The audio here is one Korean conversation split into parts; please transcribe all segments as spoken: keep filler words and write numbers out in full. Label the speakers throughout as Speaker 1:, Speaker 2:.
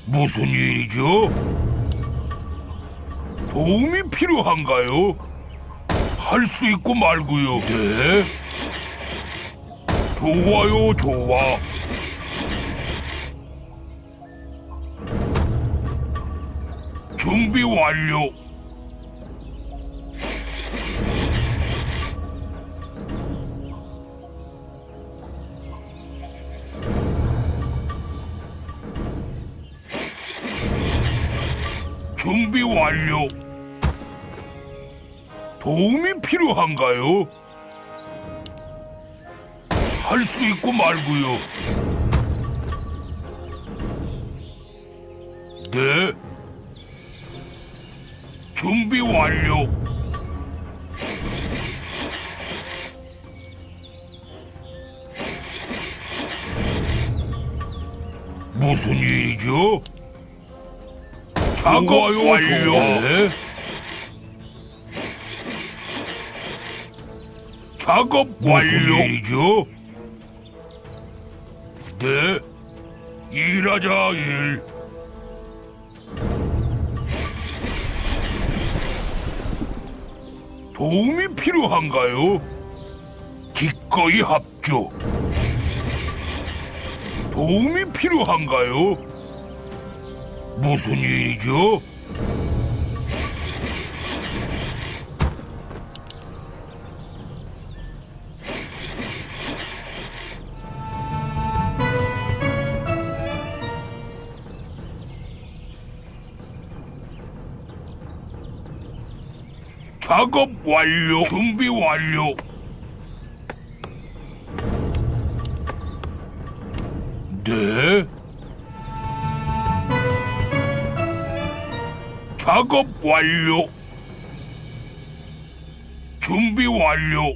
Speaker 1: 무슨 일이죠? 도움이 필요한가요? 할 수 있고 말고요. 네. 좋아요, 좋아. 준비 완료. 준비 완료. 도움이 필요한가요? 할 수 있고 말고요. 네. 준비 완료. 무슨 일이죠? 작업 완료. 네. 작업 완료. 무슨 일이죠? 네. 일하자 일. 도움이 필요한가요? 기꺼이 합주. 도움이 필요한가요? 무슨 일이죠? 작업 완료. 준비 완료. 네. 작업 완료. 준비 완료.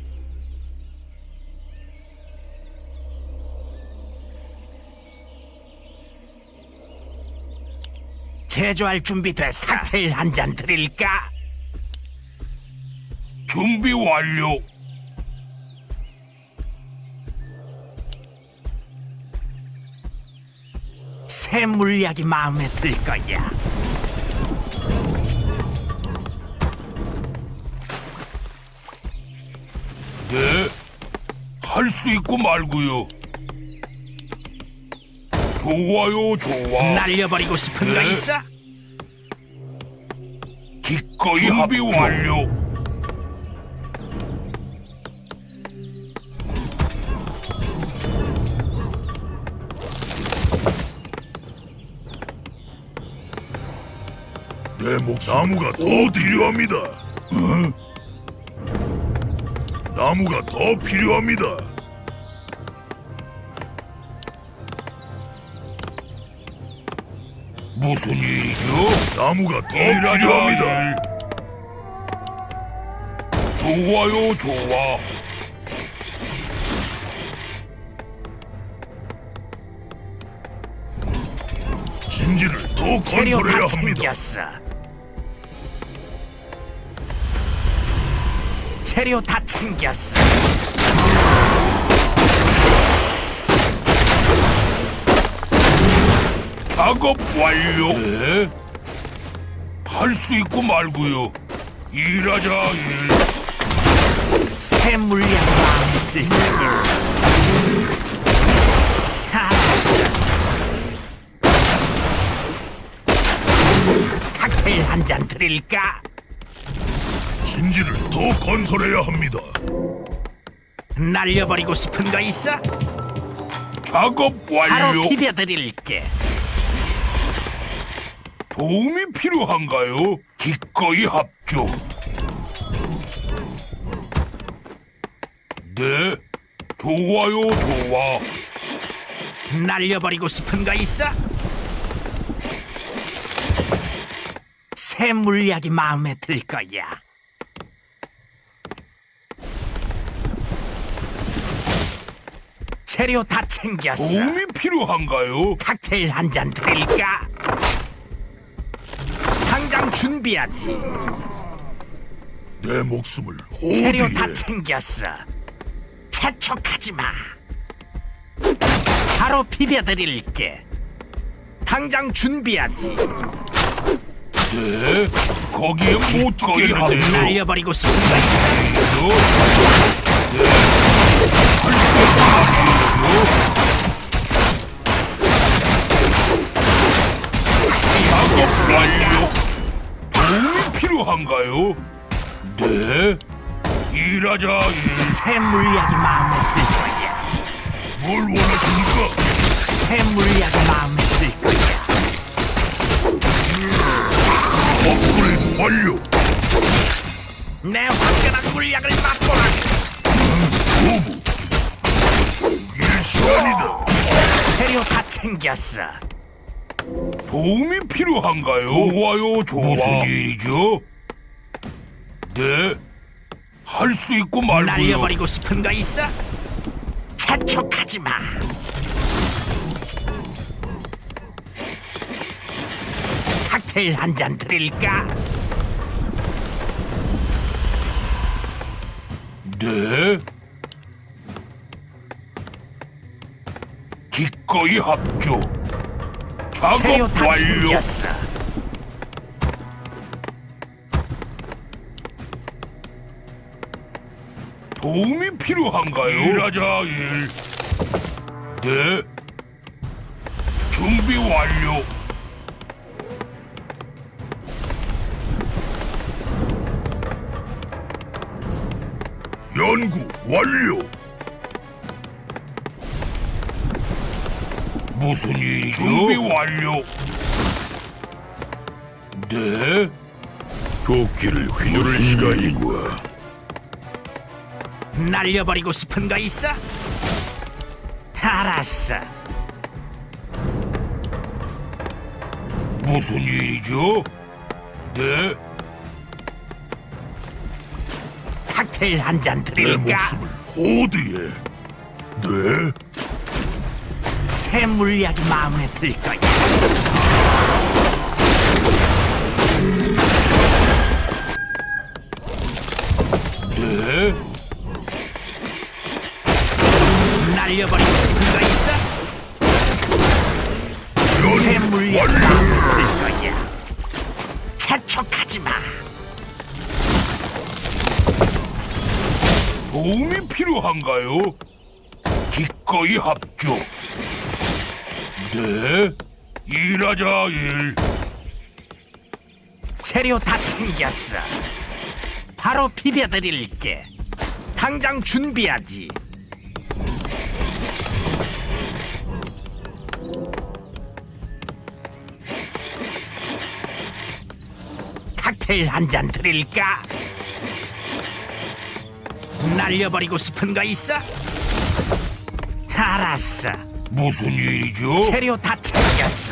Speaker 2: 제조할 준비 됐어. 칵테일 한 잔 드릴까?
Speaker 1: 준비 완료.
Speaker 2: 새 물약이 마음에 들 거야.
Speaker 1: 네. 할 수 있고 말고요. 좋아요, 좋아.
Speaker 2: 날려버리고 싶은 거
Speaker 1: 네.
Speaker 2: 있어?
Speaker 1: 기꺼이 준비 완료. 내 목숨 나무가 더 필요합니다. 어? 나무가 더 필요합니다. 무슨 일이죠? 나무가 더 필요합니다. 좋아요, 좋아. 진지를 더
Speaker 2: 재료
Speaker 1: 건설해야
Speaker 2: 다
Speaker 1: 합니다.
Speaker 2: 챙겼어. 재료 다 챙겼어.
Speaker 1: 작업 완료. 네. 할 수 있고 말고요. 일하자 일.
Speaker 2: 새 물약 마음에 들 거야. 알았어. 칵테일 한 잔 드릴까?
Speaker 1: 진지를 더 건설해야 합니다.
Speaker 2: 날려버리고 싶은 거 있어?
Speaker 1: 작업
Speaker 2: 바로
Speaker 1: 완료.
Speaker 2: 비벼드릴게.
Speaker 1: 도움이 필요한가요? 기꺼이 합주. 네. 좋아요, 좋아.
Speaker 2: 날려버리고 싶은 거 있어? 새 물약이 마음에 들 거야. 재료 다 챙겼어.
Speaker 1: 도움이 필요한가요?
Speaker 2: 칵테일 한 잔 드릴까? 당장 준비하지.
Speaker 1: 내 목숨을
Speaker 2: 재료
Speaker 1: 어디에?
Speaker 2: 다 챙겼어. 재촉하지 마. 바로 비벼드릴게. 당장 준비하지.
Speaker 1: 네, 거기에 못 죽겠는데요.
Speaker 2: 날려버리고 싶은 거 있어?
Speaker 1: 네, 할수 있고 말이죠. 작업 완료. 도움이 필요한가요? 네, 일하자 일.
Speaker 2: 새 물약이 마음에 들 거야.
Speaker 1: 뭘 원하십니까?
Speaker 2: 새 물약이 마음에 들 거야.
Speaker 1: 업그레이드 완료.
Speaker 2: 내 화끈한 물약을 맛보라.
Speaker 1: 소부. 죽일 시간이다.
Speaker 2: 재료 다 챙겼어.
Speaker 1: 도움이 필요한가요? 좋아요, 좋아. 무슨 일이죠? 네, 할 수 있고 말고요.
Speaker 2: 날려버리고 싶은 거 있어? 재촉하지 마. 칵테일 한 잔 드릴까?
Speaker 1: 네. 기꺼이 합조.
Speaker 2: 재료
Speaker 1: 작업
Speaker 2: 다
Speaker 1: 완료.
Speaker 2: 챙겼어.
Speaker 1: 도움이 필요한가요? 일하자 일. 네. 준비 완료. 연구 완료. 무슨 일이죠? 준비 완료. 네.
Speaker 3: 도끼를 휘두를 시간이구나.
Speaker 2: 날려버리고 싶은 거 있어? 알았어.
Speaker 1: 무슨 일이죠? 네.
Speaker 2: 칵테일 한 잔
Speaker 1: 내
Speaker 2: 드릴까?
Speaker 1: 목숨을 호드에. 네.
Speaker 2: 새 물약이 마음에 들 거야.
Speaker 1: 네.
Speaker 2: 날려버리고 싶은 거 있어? 새
Speaker 1: 연구
Speaker 2: 물약이
Speaker 1: 완료.
Speaker 2: 마음에 들 거야. 재촉하지 마.
Speaker 1: 도움이 필요한가요? 기꺼이 합조. 네. 일하자 일.
Speaker 2: 재료 다 챙겼어. 바로 비벼드릴게. 당장 준비하지. 칵테일 한 잔 드릴까? 날려버리고 싶은 거 있어? 알았어.
Speaker 1: 무슨 일이죠?
Speaker 2: 재료 다 챙겼어.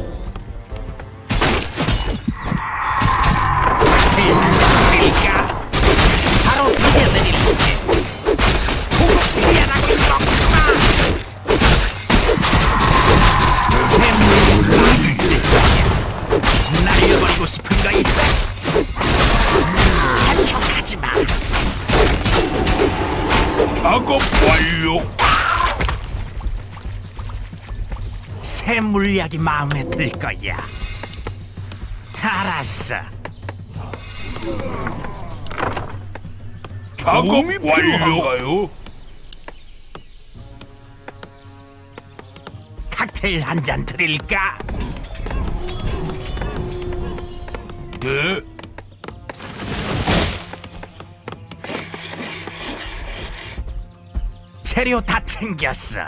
Speaker 2: 칵테일 한 잔 드릴까? 바로 비벼드릴게. 고급 비벼라고 먹지마. 샘물이 마음에 들 거야. 날려버리고 싶은 거 있어? 재촉하지 마.
Speaker 1: 작업 완료.
Speaker 2: 새 물약이 마음에 들 거야. 알았어.
Speaker 1: 작업이 필요한가요?
Speaker 2: 칵테일 한 잔 드릴까?
Speaker 1: 네.
Speaker 2: 재료 다 챙겼어.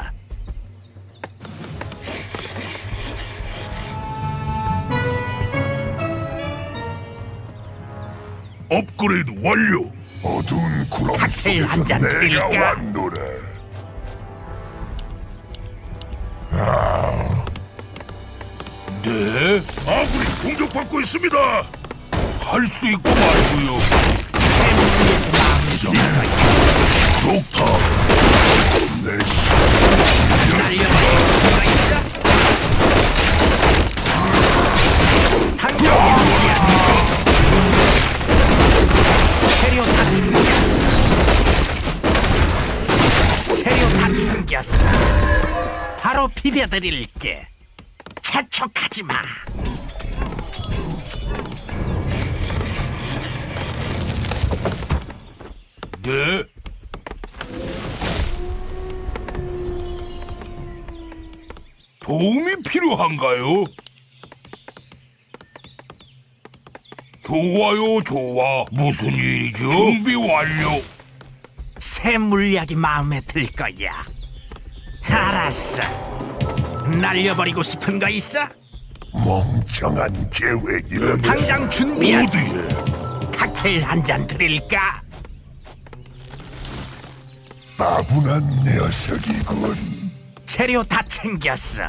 Speaker 1: 업그레이드 완료. 어두운 구름
Speaker 2: 칵테일 한 잔 드릴까?
Speaker 1: 왔노라. 네. 아군이 공격받고 있습니다. 할 수 있고 말고요.
Speaker 2: 새 물약이 마음에 들 거야.
Speaker 1: 녹타. 내
Speaker 2: 날려버리고 싶은 거 있어? 당장 준비하지. 재료 다 챙겼어. 재료 다 챙겼어. 바로 비벼드릴게. 재촉하지 마.
Speaker 1: 네. 도움이 필요한가요? 좋아요, 좋아. 무슨 일이죠? 준비 완료.
Speaker 2: 새 물약이 마음에 들 거야. 알았어. 날려버리고 싶은 거 있어?
Speaker 3: 멍청한 계획이라면
Speaker 2: 당장 준비하지.
Speaker 1: 어디에?
Speaker 2: 칵테일 한 잔 드릴까?
Speaker 3: 따분한 녀석이군.
Speaker 2: 재료 다 챙겼어.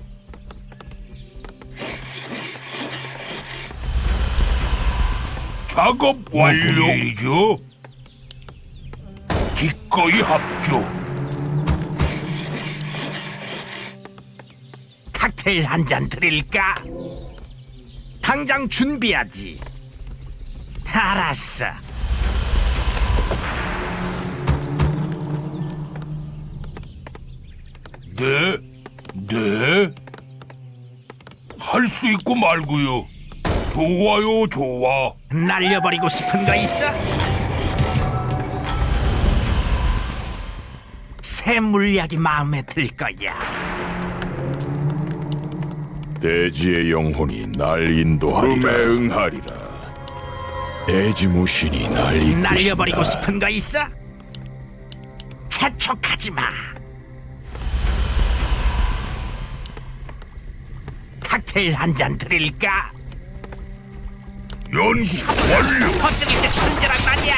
Speaker 1: 작업 완료. 무슨 일이죠? 기꺼이 합조.
Speaker 2: 칵테일 한 잔 드릴까? 당장 준비하지. 알았어.
Speaker 1: 네, 네. 할 수 있고 말고요. 좋아요, 좋아.
Speaker 2: 날려버리고 싶은 거 있어? 새 물약이 마음에 들 거야.
Speaker 3: 대지의 영혼이 날 인도하리라. 꿈에 응하리라. 대지 무신이 날 이끄신다.
Speaker 2: 날려버리고 싶은 거 있어? 재촉하지 마. 칵테일 한 잔 드릴까?
Speaker 1: 연구 완료.
Speaker 2: 터뜨릴 때 천재란 말이야.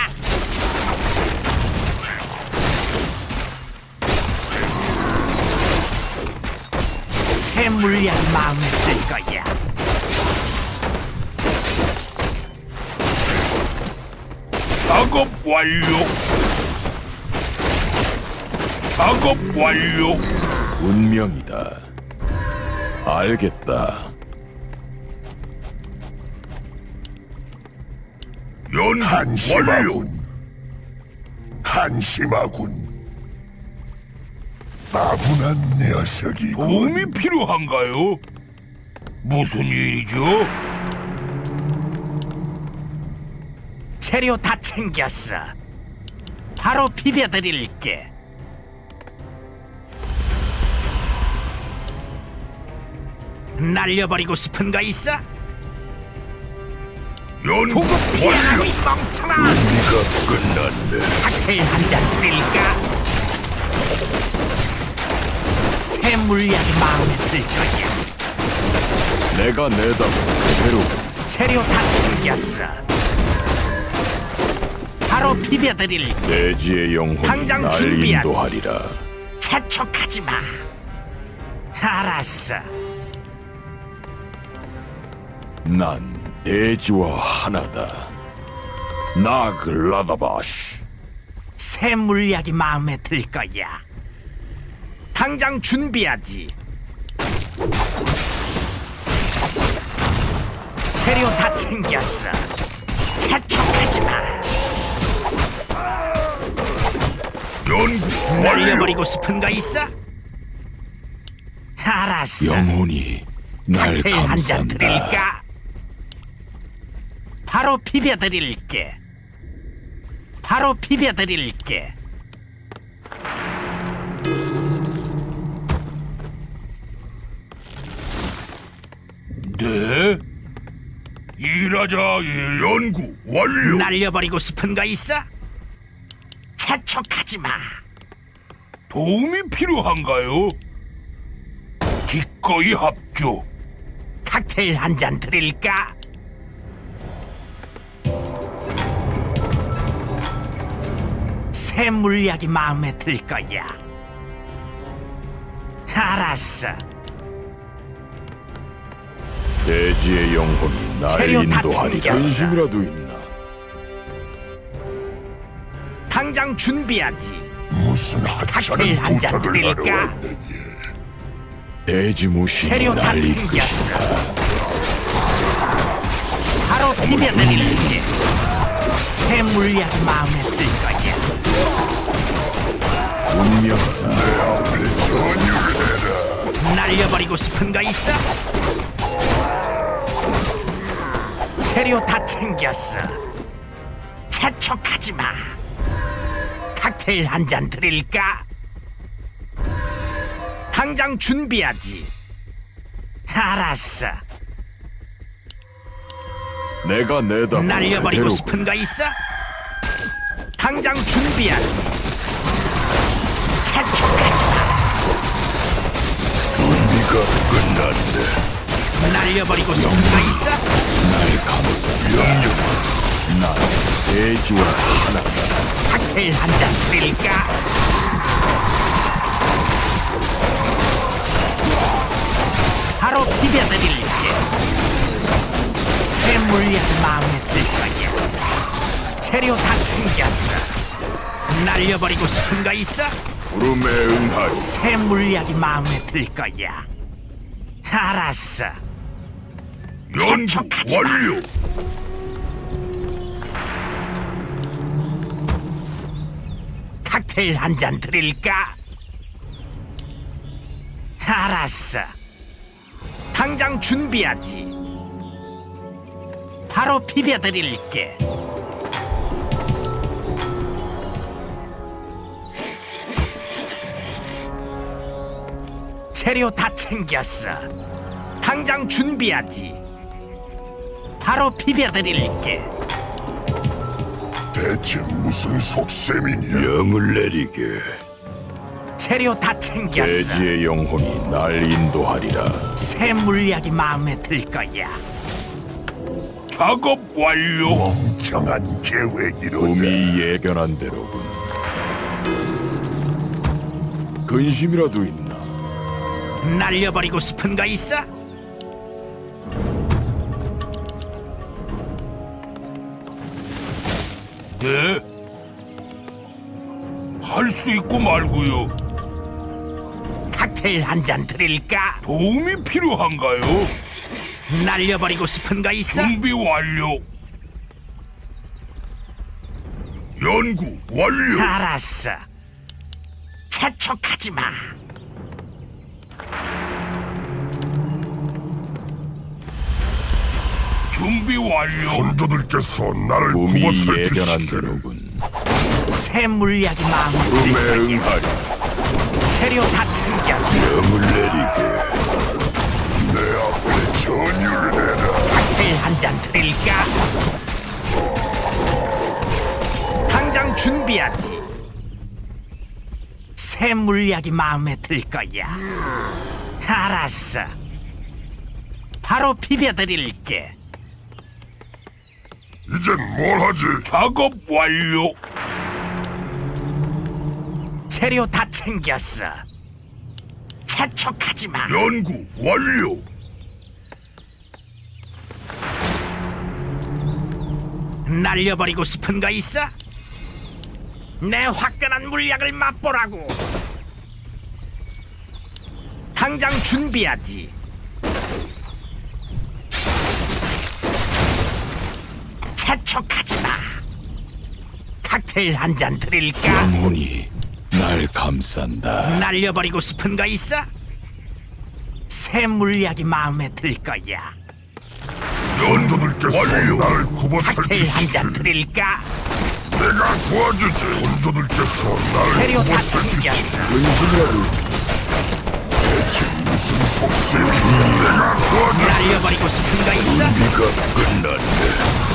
Speaker 2: 새 물약이 마음에 들 거야.
Speaker 1: 작업 완료. 작업 완료.
Speaker 3: 운명이다. 알겠다.
Speaker 1: 연구 완료.
Speaker 3: 한심하군. 한심하군. 따분한 녀석이군.
Speaker 1: 도움이 필요한가요? 무슨 일이죠?
Speaker 2: 재료 다 챙겼어. 바로 비벼드릴게. 날려버리고 싶은 거 있어?
Speaker 1: 연구
Speaker 2: 보급 피하라고
Speaker 1: 완료.
Speaker 2: 이 멍청아.
Speaker 3: 네가 끝났네.
Speaker 2: 칵테일 한 잔 드릴까? 새 물약이 마음에 들 거야.
Speaker 3: 내가 내다보 그대로.
Speaker 2: 재료 다 챙겼어. 바로 비벼드릴게.
Speaker 3: 대지의 영혼이
Speaker 2: 당장
Speaker 3: 날
Speaker 2: 준비하지.
Speaker 3: 인도하리라.
Speaker 2: 재촉하지 마. 알았어.
Speaker 3: 난 대지와 하나다. 나글라다바시.
Speaker 2: 새 물약이 마음에 들 거야. 당장 준비하지. 재료 다 챙겼어. 재촉하지 마.
Speaker 1: 연구 완료.
Speaker 2: 날려버리고 싶은 거 있어? 알았어.
Speaker 3: 영혼이 날
Speaker 2: 칵테일 한 잔
Speaker 3: 감싼다.
Speaker 2: 드릴까? 바로 비벼드릴게. 바로 비벼드릴게.
Speaker 1: 네. 일하자 일. 연구 완료.
Speaker 2: 날려버리고 싶은 거 있어? 재촉하지 마.
Speaker 1: 도움이 필요한가요? 기꺼이 합조.
Speaker 2: 칵테일 한 잔 드릴까? 새 물약이 마음에 들 거야. 알았어.
Speaker 3: 대지의 영혼이 날
Speaker 2: 재료 다
Speaker 3: 인도하리라.
Speaker 2: 챙겼어.
Speaker 3: 근심이라도 있나?
Speaker 2: 당장 준비하지.
Speaker 3: 무슨
Speaker 2: 칵테일
Speaker 3: 하찮은
Speaker 2: 한잔
Speaker 3: 부탁을 하러
Speaker 2: 드릴까?
Speaker 3: 왔느냐? 대지 무신이
Speaker 2: 재료 다
Speaker 3: 날
Speaker 2: 챙겼어.
Speaker 3: 이끄신다.
Speaker 2: 바로 비벼드릴게. 새 물약이 마음에 들 거야.
Speaker 3: 운명이다.
Speaker 1: 앞에 전율해라.
Speaker 2: 날려버리고 싶은 거 있어? 재료 다 챙겼어. 재촉하지 마. 칵테일 한 잔 드릴까? 당장 준비하지. 알았어.
Speaker 3: 내가 내다
Speaker 2: 날려버리고 싶은 거 있어? 당장 준비하지. 재촉하지 마.
Speaker 3: 준비가 끝났네.
Speaker 2: 날려버리고 싶은 거 있어?
Speaker 3: 날 감싸. 영영. 난 돼지와 하나다.
Speaker 2: 칵테일 한 잔 드릴까? 바로 비벼드릴게. 새 물약이 마음에 들 거야. 재료 다 챙겼어. 날려버리고 싶은 거 있어?
Speaker 3: 부름에 응하리.
Speaker 2: 새 물약이 마음에 들 거야. 알았어.
Speaker 1: 연구
Speaker 2: 재촉하지 마.
Speaker 1: 완료.
Speaker 2: 칵테일 한 잔 드릴까? 알았어. 당장 준비하지. 바로 비벼드릴게. 재료 다 챙겼어. 당장 준비하지. 바로 비벼드릴게.
Speaker 3: 대체 무슨 속셈이냐?
Speaker 1: 영을 내리게.
Speaker 2: 재료 다 챙겼어.
Speaker 3: 돼지의 영혼이 날 인도하리라.
Speaker 2: 새 물약이 마음에 들 거야.
Speaker 1: 작업 완료.
Speaker 3: 멍청한 계획이로다. 꿈이 예견한 대로군. 근심이라도 있나?
Speaker 2: 날려버리고 싶은 거 있어?
Speaker 1: 네. 할 수 있고 말고요.
Speaker 2: 칵테일 한 잔 드릴까?
Speaker 1: 도움이 필요한가요?
Speaker 2: 날려버리고 싶은 거 있어?
Speaker 1: 준비 완료. 연구 완료.
Speaker 2: 알았어. 재촉하지 마.
Speaker 1: 준비 완료.
Speaker 3: 선조들께서 나를
Speaker 1: 꿈이
Speaker 3: 구워
Speaker 1: 예견한
Speaker 3: 살피시기를.
Speaker 1: 대로군.
Speaker 2: 새 물약이 마음에 들
Speaker 3: 부름에
Speaker 2: 거야.
Speaker 3: 응하리.
Speaker 2: 재료 다 챙겼어.
Speaker 1: 영을 내리게.
Speaker 3: 내 앞에 전율을 해라.
Speaker 2: 칵테일 한 잔 드릴까? 당장 준비하지. 새 물약이 마음에 들 거야. 알았어. 바로 비벼드릴게.
Speaker 3: 이젠 뭘 하지?
Speaker 1: 작업 완료.
Speaker 2: 재료 다 챙겼어. 재촉하지 마.
Speaker 1: 연구 완료.
Speaker 2: 날려버리고 싶은 거 있어? 내 화끈한 물약을 맛보라고. 당장 준비하지. 재촉하지 마. 칵테일 한 잔 드릴까?
Speaker 3: 영혼이 날 감싼다.
Speaker 2: 날려버리고 싶은 거 있어? 새 물약이 마음에 들 거야.
Speaker 3: 선조들께서 나를 구워
Speaker 2: 칵테일 한 잔
Speaker 3: 살피시기를.
Speaker 2: 드릴까?
Speaker 3: 내가 도와주지. 선조들께서 나를
Speaker 2: 재료
Speaker 3: 구워
Speaker 2: 다
Speaker 3: 살피시기를.
Speaker 2: 챙겼어.
Speaker 3: 근심이라도. 대체 무슨 속셈이냐? 내가 도와주지.
Speaker 2: 날려버리고 싶은 거 있어?
Speaker 1: 네가 끝났네.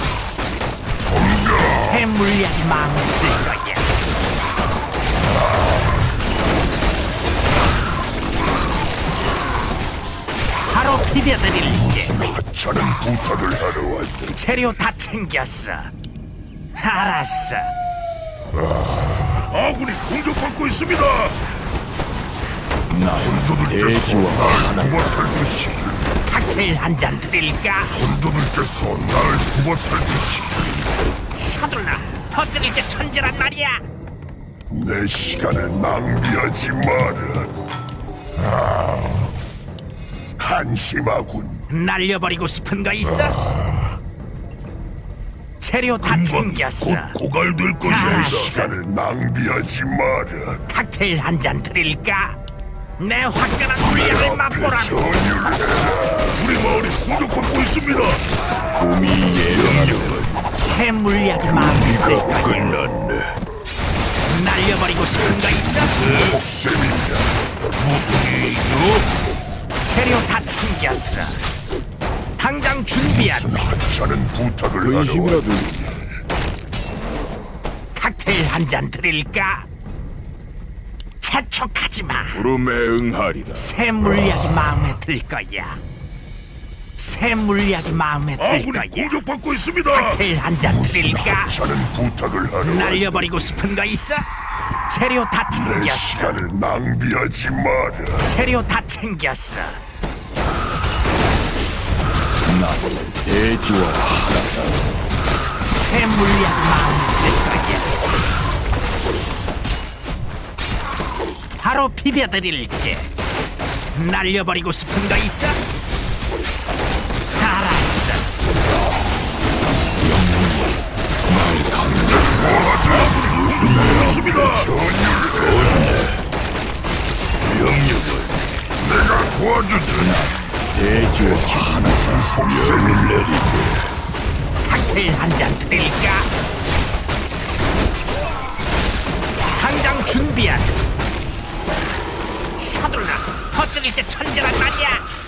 Speaker 2: 새 물약이 마음에 들 거야. 바로 비벼드릴게.
Speaker 3: 무슨 하찮은 부탁을 하러 왔다.
Speaker 2: 재료 다 챙겼어. 알았어.
Speaker 1: 아군이 공격받고 있습니다.
Speaker 3: 난 돼지와 하나. 구워 살피시기를.
Speaker 2: 칵테일 한 잔 드릴까?
Speaker 3: 선조들께서 나를 구워 살피시기를.
Speaker 2: 서둘러. 더 드릴 게 천재란 말이야.
Speaker 3: 내 시간을 낭비하지 마라. 아, 한심하군.
Speaker 2: 날려버리고 싶은 거 있어? 재료 다
Speaker 1: 금방
Speaker 2: 챙겼어.
Speaker 1: 곧 고갈될
Speaker 2: 알았어.
Speaker 1: 것입니다.
Speaker 3: 시간을 낭비하지 마라.
Speaker 2: 칵테일 한 잔 드릴까? 내 화끈한 물약을 맛보라고.
Speaker 3: 전율해라.
Speaker 1: 우리 마을이 공격받고 있습니다.
Speaker 3: 봄이 예언력은
Speaker 2: 새 물약이 마음에 들 거야.
Speaker 1: 끝났네.
Speaker 2: 날려버리고 싶은 거 있어?
Speaker 3: 속셈이다.
Speaker 1: 무슨 일이죠?
Speaker 2: 재료 다 챙겼어. 당장 준비하지.
Speaker 3: 무슨 하찮은 부탁을 하러
Speaker 4: 근심이라도
Speaker 2: 칵테일 한 잔 드릴까? 재촉하지 마.
Speaker 4: 부름에 응하리라.
Speaker 2: 새 물약이 마음에 들 거야. 새 물약이 마음에 들
Speaker 1: 아군이
Speaker 2: 거야.
Speaker 1: 공격받고 있습니다.
Speaker 2: 칵테일 한 잔
Speaker 3: 무슨
Speaker 2: 드릴까?
Speaker 3: 하찮은 부탁을 하러
Speaker 2: 날려버리고 싶은 거 있어? 재료 다
Speaker 3: 내
Speaker 2: 챙겼어.
Speaker 3: 시간을 낭비하지 마라.
Speaker 2: 재료 다 챙겼어.
Speaker 4: 나는 대지와 하나다.
Speaker 2: 새 물약이 마음에 들 거야. 바로 비벼드릴게. 날려버리고 싶은 거 있어? 알았어.
Speaker 1: 있습니다.
Speaker 3: 명령을 내가 도와주지.
Speaker 4: 대지와 하나.
Speaker 3: 속셈을 내리게.
Speaker 2: 칵테일 한 잔 드릴까? 당장 준비하지. 서둘러. 퍼뜨릴 때 천재란 말이야.